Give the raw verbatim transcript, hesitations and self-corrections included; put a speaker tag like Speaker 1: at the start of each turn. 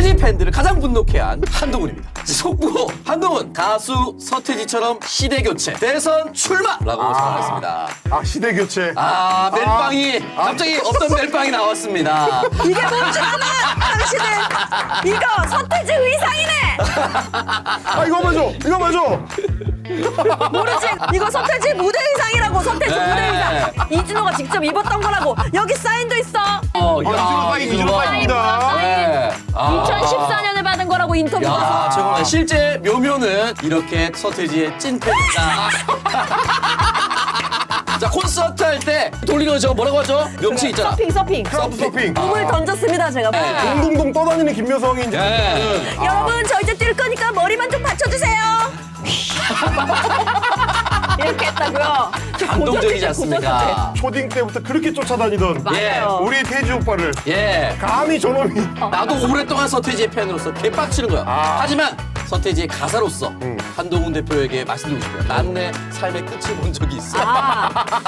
Speaker 1: 서태지 팬들을 가장 분노케 한 한동훈입니다. 속보 한동훈 가수 서태지처럼 시대 교체 대선 출마라고
Speaker 2: 아.
Speaker 1: 선언했습니다.
Speaker 2: 아, 시대 교체.
Speaker 1: 아 멜빵이
Speaker 2: 아.
Speaker 1: 갑자기 없던 멜빵이 나왔습니다.
Speaker 3: 이게 뭔지 아나? 당신은 이거 서태지 의상이네.
Speaker 2: 아, 이거 봐줘. 이거 봐줘.
Speaker 3: 모르지? 이거 서태지 무대 의상이라고. 서태지
Speaker 1: 네.
Speaker 3: 무대 의상. 이준호가 직접 입었던 거라고. 여기 사인도 있어.
Speaker 1: 어,
Speaker 2: 아, 이준호 사인, 이준호 사인입니다.
Speaker 1: 네. 아.
Speaker 3: 이천십사 년에 받은 거라고 인터뷰.
Speaker 1: 야, 정말 실제 묘묘는 이렇게 서태지의 찐팬이다. 자, 콘서트 할 때 돌리는 거 저거 뭐라고 하죠? 명칭 있잖아.
Speaker 3: 서핑 서핑.
Speaker 2: 크라우드 서핑.
Speaker 3: 공을 던졌습니다 제가.
Speaker 1: 네.
Speaker 2: 동동동 떠다니는 김여성이 이제.
Speaker 1: 네.
Speaker 3: 여러분 저 이제 뛸 거니까 머리만 좀 받쳐주세요. 이렇게 했다고요. 저
Speaker 1: 감동적이지
Speaker 3: 고전이죠,
Speaker 1: 않습니까?
Speaker 2: 초딩 때부터 그렇게 쫓아다니던
Speaker 3: 맞아요.
Speaker 2: 우리 태지 오빠를
Speaker 1: 예.
Speaker 2: 감히 저놈이.
Speaker 1: 나도 오랫동안 서태지의 팬으로서 개빡치는 거야.
Speaker 2: 아.
Speaker 1: 하지만 서태지의 가사로서 한동훈 대표에게 말씀드리고 싶어요. 난 내 삶의 끝을 본 적이 있어.
Speaker 3: 아,